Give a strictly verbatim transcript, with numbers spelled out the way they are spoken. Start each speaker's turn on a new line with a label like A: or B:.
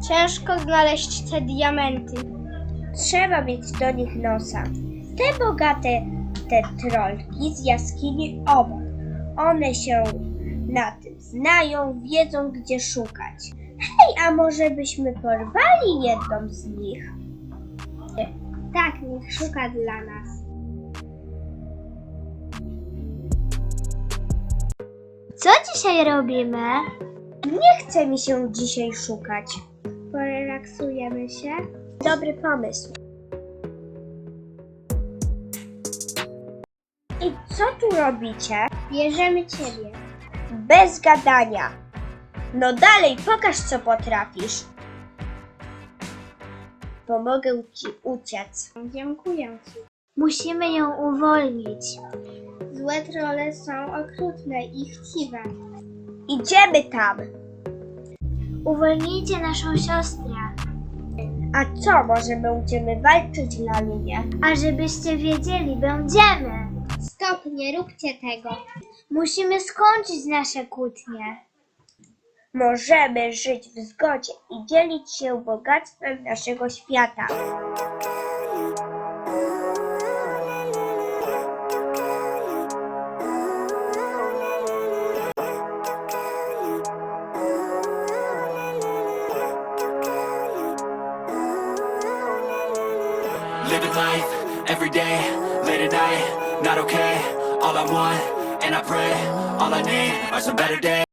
A: Ciężko znaleźć te diamenty.
B: Trzeba mieć do nich nosa. Te bogate, te trolki z jaskini obok. One się na tym znają, wiedzą gdzie szukać. Hej, a może byśmy porwali jedną z nich?
A: Tak, niech szuka dla nas. Co dzisiaj robimy?
B: Nie chce mi się dzisiaj szukać.
A: Porelaksujemy się.
B: Dobry pomysł. I co tu robicie?
A: Bierzemy ciebie.
B: Bez gadania. No dalej, pokaż co potrafisz. Pomogę ci uciec.
A: Dziękuję ci. Musimy ją uwolnić. Złe trolle są okrutne i chciwe.
B: Idziemy tam.
A: Uwolnijcie naszą siostrę.
B: A co, może będziemy walczyć, Lalunie?
A: A żebyście wiedzieli, będziemy. Stop, nie róbcie tego. Musimy skończyć nasze kłótnie.
B: Możemy żyć w zgodzie i dzielić się bogactwem naszego świata.
C: Living life, every day, late at night, not okay. All I want, and I pray, all I need are some better days.